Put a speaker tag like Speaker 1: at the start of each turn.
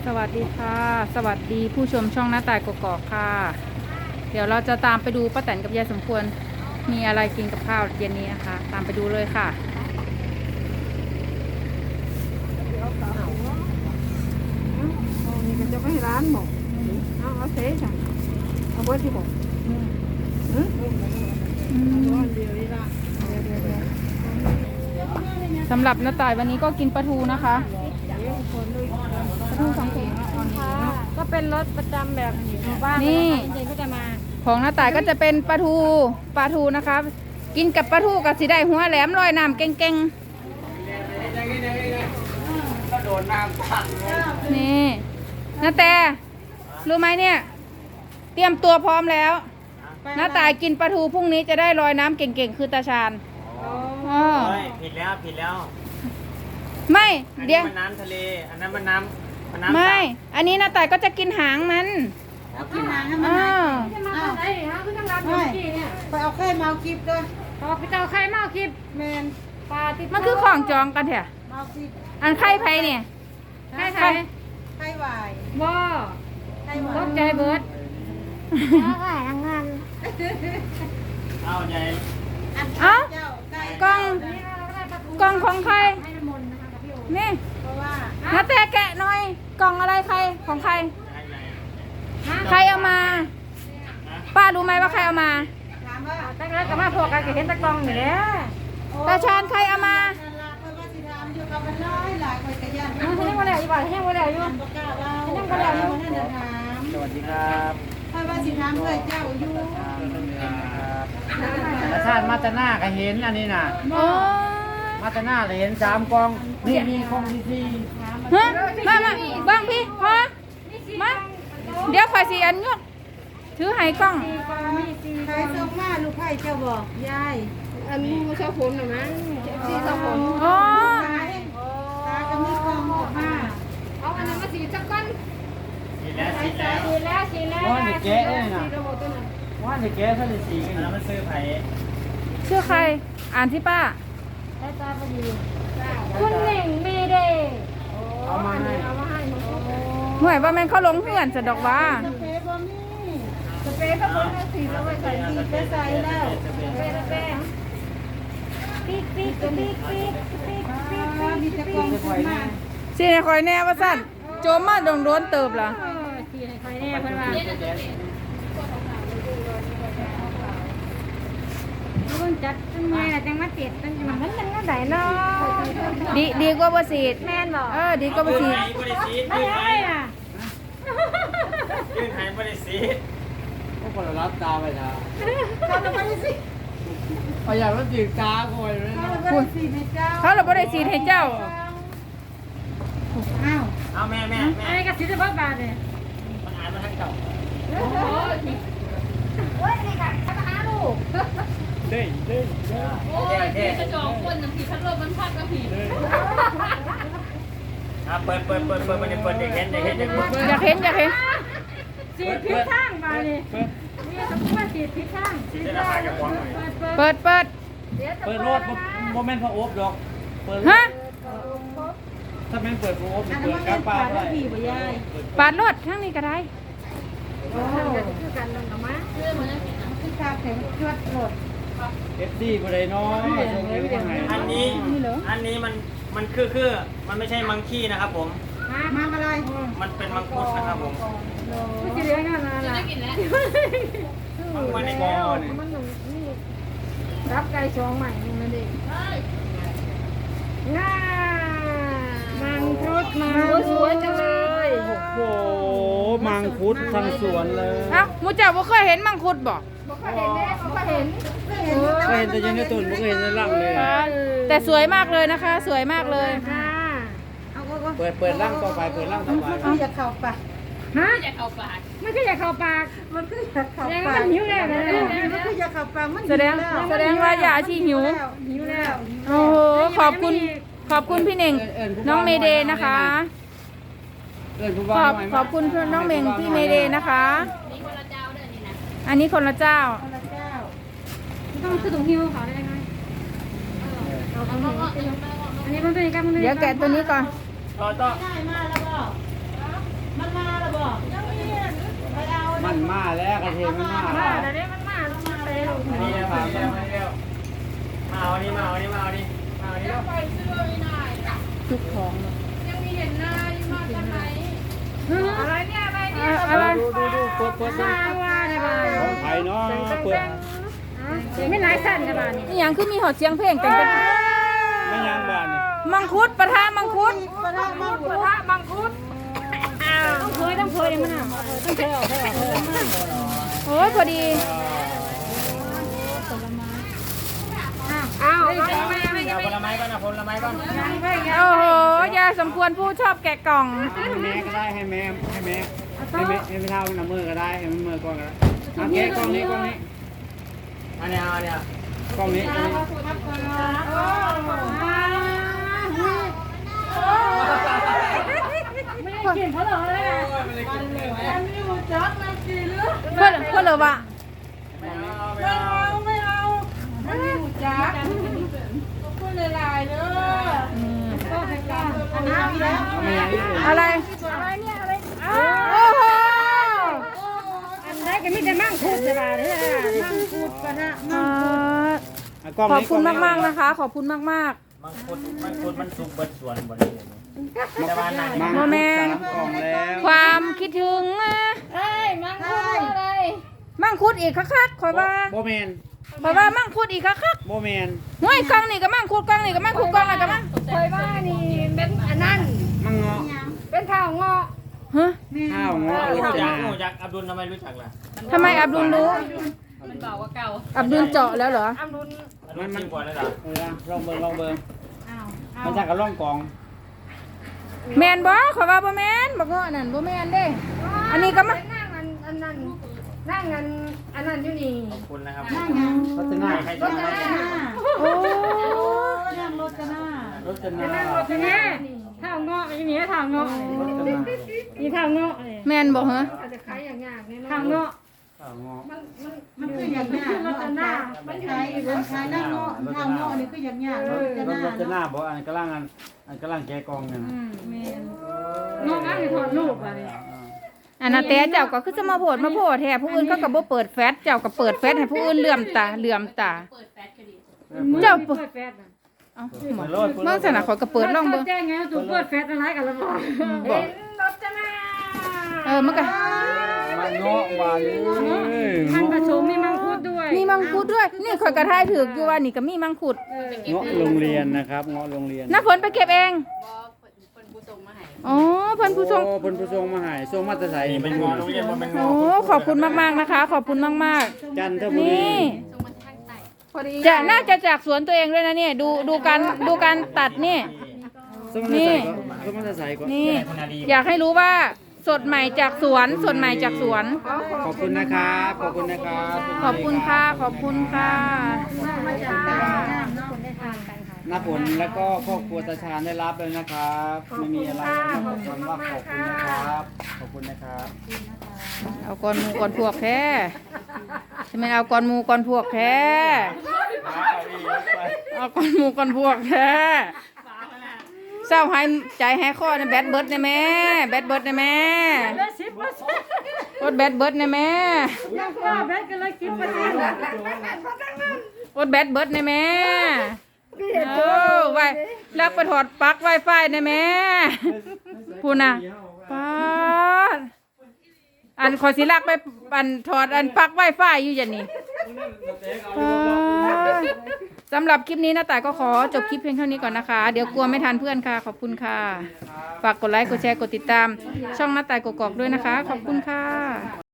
Speaker 1: สวัสดีค่ะสวัสดีผู้ชมช่องหน้าต่ายกกอกค่ะเดี๋ยวเราจะตามไปดูป้าแตนกับยายสมควรมีอะไรกินกับข้าวเย็นนี้นะคะตามไปดูเลยค่ะ
Speaker 2: นี่ก็จะไปร้านหมกเอาเซ่จ้ะเอาไว้ที่หมกเดียวนี่ละ
Speaker 1: สำหรับหน้าต่ายวันนี้ก็กินปลาทูนะคะปลาทู2 ถุง
Speaker 2: ก็เป็นรถประจำแบบหมู่บ้านนี่เด็กก็จะมา
Speaker 1: ของหน้าต่ายก็จะเป็นปลาทูนะคะกินกับปลาทูกับสีได้หัวแหลมลอยน้ำเก่งๆนี่น้าแต่รู้ไหมเนี่ยเตรียมตัวพร้อมแล้วน้าต่ายกินปลาทูพรุ่งนี้จะได้ลอยน้ำเก่งๆคือตาชาญ
Speaker 3: ผิดแล้ว
Speaker 1: ไม่เดี๋ยว
Speaker 3: มันน้ำทะเลอันนั้นมันน้ำ
Speaker 1: ไม่อันนี้น้าต่ายก็จะกินหางมัน
Speaker 2: กินหางให้มันจะมาไหนฮะคือต้องรับอยู่ที่เนี่ยไปเอาไข่มาคลิปด้วยเอาไปเอาไข่มาคลิปแมนปลาติด
Speaker 1: มันคือของจองกันเถอะ
Speaker 2: มาคลิป
Speaker 1: อันไข่ไผ่เนี่ย
Speaker 2: ไข่วายบ่ตกใจเบิร์ดแล้วก็ทำงาน
Speaker 3: เอาใหญ่
Speaker 1: เอ้ากล่องของใครนี่น้าแต่แกะหน่อยกล่องอะไรใครของใครใครเอามาป้ารู้ไหมว่าใครเอามา
Speaker 2: ตั้งแต่ก็มาพวกกันเห็นตะกองอยู่แล้ว
Speaker 1: ตาชาญใครเอามา
Speaker 2: ยังบ่แล้วอยู่บ่ยังบ่แล้วอยู่ยังบ่แล้วอยู่
Speaker 3: สวัสดีครับ
Speaker 2: ถ้าว่าสิถามเลยเจ้าอยู่
Speaker 3: อาชาติมาตาหน้าก็เห็นอันนี้น่ะ
Speaker 1: โอ้
Speaker 3: มาตาหน้าเลยเห็น3 กองนี่มีกองที่
Speaker 1: ฮะมาบางพี่พอมาเดี๋ยวข่อยสิอันยกถือให้กล้อง
Speaker 2: ใครส่งมาลูกไผ่เจ้าบอกยายอันนี้มันชอบผลหรือมั้งสีชอบผล
Speaker 1: อ๋อ
Speaker 2: ตาก็มีกองออกมาเอาอันนั้นมาสีสักก้อน
Speaker 3: สีแล้ว
Speaker 2: สีแล้ว
Speaker 3: ว่าเด็กแกะเลยนะว่าเด็กแกะถ้าได้สีกันแล้วมันซื้อไผ่
Speaker 1: ชื่อใครอ่านที่ป้า
Speaker 2: ได้ตาพอดีคุณหนิงมีเดย์
Speaker 3: เอามาให้
Speaker 1: ห่วยว่าแม่นเขาลงเพื่อนสะดอกว่า
Speaker 2: สเปรย์บ่มีสเปรย์ก็คนละสีแล้วไว้ใส่ดีไปใส่แล้วสเปรย์ปิ๊กปิ๊กปิ๊กปิ๊กปิ๊กปิ๊กมีจะกองขึ้นมา
Speaker 1: สิให้ข่อยแน่ว่าสั่นโจมมาโดนเติบล่ะ
Speaker 2: สีให้ใครแน่เพิ่นว่าเพิ่นจัดจังไงล่ะจังมาติดจังมันจังว่าได้เนาะ
Speaker 1: ดีกว่าบ่สีด
Speaker 2: แม่นบ่
Speaker 1: ดีกว่าบ่สีด
Speaker 3: บริสี
Speaker 2: ได้ไงอ่ะ
Speaker 3: ยื่นให้บริสีพวกคนรับตาไปนะ
Speaker 2: เขาจะไปสิ
Speaker 3: เอาอย่างว่าจีบตาคอยเลยนะ
Speaker 2: เขาจะไปสิให้เจ้า
Speaker 1: เขาเราบ่ได้สีดให้เจ้า
Speaker 2: อ้าว
Speaker 3: เอาแม่
Speaker 2: อะไรกับสิจะบาทเนี่ย
Speaker 3: มันอ่านมาทั้งเก่า
Speaker 2: โอ้ยนี่ค่ะจะหาลูก
Speaker 3: เด้โอ้ยกระจอกคนน้ำผีพัดลมมันพัดกับผีเปิดมันจะเปิดเด็กเห็น
Speaker 1: อยากเห็น
Speaker 2: สีพิษข้างมาเลยนี่ต้องมาสีพิษข้าง
Speaker 3: จะราคาจะฟ้องหน่อย
Speaker 1: เปิด
Speaker 3: เปิดรถโมเมนต์พระอบดอกเปิด
Speaker 1: ฮะ
Speaker 3: ถ้าแม่งเปิดพระอบเปิดกลางป่าได้
Speaker 1: ปาดรถข้างนี้ก็ได้
Speaker 2: โอ้คือกันลงกับมาคือคาแข็งชวดหลด
Speaker 3: FD บ่ได้น้อยอันนี้มันคือมันไม่ใช่มังคีนะครับผม
Speaker 2: มาอะไร
Speaker 3: มันเป็นมังคุดนะครับผม
Speaker 2: ไม่กินเลี้ยงกันนะล่ะ
Speaker 3: มันในกอนี่
Speaker 2: มันหนุ่มนี่รับไก่ชองใหม่นั่นเองง่ามังคุดมาสวยจังเลย
Speaker 3: โอ้โหมังคุดทั้งสวนเลย
Speaker 1: เอ้าหมูเจ้าบ่เคยเห็นมังคุดบ่
Speaker 2: บอกเขาเห็นแน่เขาเห็น
Speaker 3: ก็เห็นแต่ยังในต้นบ่เคยเห็นในร่างเลย
Speaker 1: แต่สวยมากเลยนะคะ สวยมากเลย
Speaker 2: ค่ะเอาก็
Speaker 3: เปิดร่างต่อไปเปิดร่างต่อไป
Speaker 2: มันอยากเข้าปากฮะอยากเข้าปากมันก็อยากเข้าปากมันก็อยากเข้าปากมันหิวแล้วนะมันก็อยากเข้าปากมัน
Speaker 1: แสดงว่าอย่าอาชีหิว
Speaker 2: หิวแล้ว
Speaker 1: โอ้โหขอบคุณพี่เน่งน้องเมเดย์นะคะขอบคุณน้องเม่งพี่เมเดย์นะคะอันนี้คนละเจ้า
Speaker 2: ต้องคือถุงหิวเขาได้ไหมอันนี้มันเป็นการมัน
Speaker 1: เดี๋ยวแกะตัวนี้ก่อน
Speaker 3: ต่อ
Speaker 2: ได้มาแล้วก็
Speaker 4: นมาแล้วกระเทียมมันมา
Speaker 2: แต่เนี้ยมันมาแล้วมันเร็ว
Speaker 3: นี่นะมาเร็วมาเร็วมาเอานี่มาเอานี่มาเอานี่มาเอานี่
Speaker 1: ทุกของเนอะ
Speaker 2: อะไรเนี่ยอะไรเนี่ย
Speaker 1: อะไร
Speaker 4: ดูเปิด
Speaker 2: มาว่าในบ้าน
Speaker 4: ของไทยเนาะเปิด
Speaker 2: ไม่หลายสั้นในบ้านนี่
Speaker 1: นี่ยังคือมีหอดเสียงเพลงแต่งเป็น
Speaker 4: ไม่ยังบ้านนี่
Speaker 1: มังคุดปะทะมังคุด
Speaker 2: กระทะมังคุดต้องเคยเลยมันอ่ะต้องเคยออก
Speaker 1: โอ้ยพอดี
Speaker 2: อ้าว
Speaker 3: เอาผลไม้ก่อนเอาผลไม้ก่อน
Speaker 1: โอ้โหยายสมควรผู้ชอบแกะกล่อง
Speaker 4: ให้แม่ก็ได้ให้แม่ให้แม่เท่ามันมือก็ได้ให้มันมือก่อนก็ได้เอาแกะกล้องนี้
Speaker 3: อันนี้เอาเนี่ย
Speaker 4: กล้องนี้
Speaker 2: ไม่ได้กินเพราะเราเลยอ่ะ
Speaker 1: เพื่อนเลยวะ
Speaker 3: ไม่เอาไม่เอา
Speaker 4: ไม่ยังอีก
Speaker 1: อะไร
Speaker 2: เนี่ยอะไร
Speaker 1: โอ้โห
Speaker 2: อันได้ก็มีแต่มั่งคุดในบ้านเนี่ยมั่งคุดกระทะ
Speaker 1: ขอบคุณมากๆนะคะ ขอบคุณมาก
Speaker 3: มังคุดมันสุกเบิดสวนบ่ได้แต่ว่านั่น
Speaker 4: มัง3กล่องแล้ว
Speaker 1: ๆ ความคิดถึงนะ
Speaker 2: เอ้ยมั่งคุดอะไร
Speaker 1: มังคุดอีกคักๆขอยว่า
Speaker 4: โบแมน
Speaker 1: ขอยว่ามังคุดอีกคัก
Speaker 4: โบแมน
Speaker 1: ๆห้วยกล่องนี่ก็มังคุดกล่องนี่ก็มังคุดกล่องนี่ก็มัง
Speaker 2: เคยว่านี่เป็นอันนั้น
Speaker 4: มังเงาะ
Speaker 2: เป็นข้าวงอก
Speaker 1: ฮะ
Speaker 4: ข้าวเงาะ
Speaker 3: รู้
Speaker 4: ร
Speaker 3: จั
Speaker 4: จ
Speaker 3: ก
Speaker 4: นา
Speaker 3: รู้จักอับดุลทำไมรู้จักล่ะ
Speaker 1: ทำไมอับดุลรู้
Speaker 2: มันบอกว่าเก่า
Speaker 1: อับดุลเจาะแล้วเหรอ
Speaker 2: อัมรุน
Speaker 3: มันจริงกว่าแล้วเหรอ
Speaker 4: ลองเบิ่งมันจากกับล่องกอง
Speaker 1: แมนบ่ขอยว่าบ่แมนบ่เงาะนั่นบ่แมนเด้ อันนี้ก็มา
Speaker 2: นั่งอันนั้นนั่งอันนั้นอยู่นี่
Speaker 3: ขอบคุณนะครับ
Speaker 4: รจนา
Speaker 3: ใครจะมา
Speaker 1: โอ้
Speaker 4: รจนา
Speaker 2: เนี่ยข้าวงอกอย่างนี้ข้าวงอกนี่ข้าวงอกเลย
Speaker 1: แมนบ่ฮะ
Speaker 2: อาจจะขายอย่างยากเนี่ยข้าวงอก
Speaker 4: ข้าวเงาะ
Speaker 2: มันคืออย่างยากมันจะหน้ามันอยู่ใน
Speaker 5: ขายหน้าเงาะทางเงาะนี่ก็อย่างยากเนาะจะหน้าร
Speaker 4: จนาบอกอันกำลังแกะกองเนี่ยนะ
Speaker 2: งอกอะไรถอดลูกอะไร
Speaker 1: อันนั้นแต่เจ้าก็คือจะมาโพดแท้ผู้อื่นเขาก็บ่เปิดแฟตเจ้าก็เปิดแฟตให้ผู้อื่นเหลื่อมตาเจ้า
Speaker 2: เปิดแฟตนะ
Speaker 1: เอ้าหมดเบิ่งสนะขอยก็เปิดลองเบิ่ง
Speaker 2: แจ้งไงตัวเปิดแฟตอะไรกันแล้วบอกรถจะมา
Speaker 1: มันก็
Speaker 4: มันเงาะหวานเลย
Speaker 2: ท่านผสมมีมังคุดด้วย
Speaker 1: มีมังคุดด้วย นี่ข่อยก็ทายถูกอยู่ว่านี่ก็มีมังคุด
Speaker 4: เงาะโรงเรียนนะครับเงาะโรงเรียน
Speaker 1: น้าฝนไปเก็บเองอ๋อเพิ่นผู้ส่ง
Speaker 4: โอ้เพิ่นผู้ส่งมาให้ส่งมาแต่ไส
Speaker 3: นี่เป็นงอโรงเรียนมันเป็นง
Speaker 1: โอ้
Speaker 3: อ
Speaker 1: ขอบคุณมากๆนะคะ ขอบคุณมาก
Speaker 4: จันท
Speaker 1: ๆ
Speaker 4: บุรี
Speaker 1: นี่จะน่าจะจากสวนตัวเองด้วยนะเนี่ยดูการตัดนี่
Speaker 4: ส่งมาแต่ไสก็ส่งมาแต่ไสก็
Speaker 1: นี่ อยากให้รู้ว่าสดใหม่จากสวนสดใหม่จากสวน
Speaker 4: ขอบคุณนะครับขอบคุณนะครับ
Speaker 1: ขอบคุณค่ะขอบคุณค่ะ
Speaker 4: น้าผลแล้วก็ครอบครัวตาชาญได้รับเลยนะครับไม่มีอะไรนะครับคำว่าขอบคุณนะครับขอบคุณนะครับ
Speaker 1: เอาก่อนหมูก่อนพวกแท้ใช่ไหมเอาก่อนหมูก่อนพวกแท้เอาก่อนหมูก่อนพวกแท้เศร้าหายใจหายคอในแบดเบิร์ดในแม่แบดเบิร์ดในแม่
Speaker 2: เลย10%
Speaker 1: อดแบดเบิร์ดในแม่
Speaker 2: ยังว่าแบตกันเลย10%
Speaker 1: อดแบดเบิร์ดในแม่โอ้ไว้ลักไปถอดปลั๊กไวไฟในแม่พูดนะป้าดอันขอสิลักไปอันถอดอันปลั๊กไวไฟอยู่อย่างนี้สำหรับคลิปนี้นะแต่ก็ขอจบคลิปเพียงเท่านี้ก่อนนะคะ เดี๋ยวกลัวไม่ทันเพื่อนค่ะ ขอบคุณค่ะ ฝากกดไลค์ กดแชร์ กดติดตาม ช่องหน้าแต่กกอกด้วยนะคะ ขอบคุณค่ะ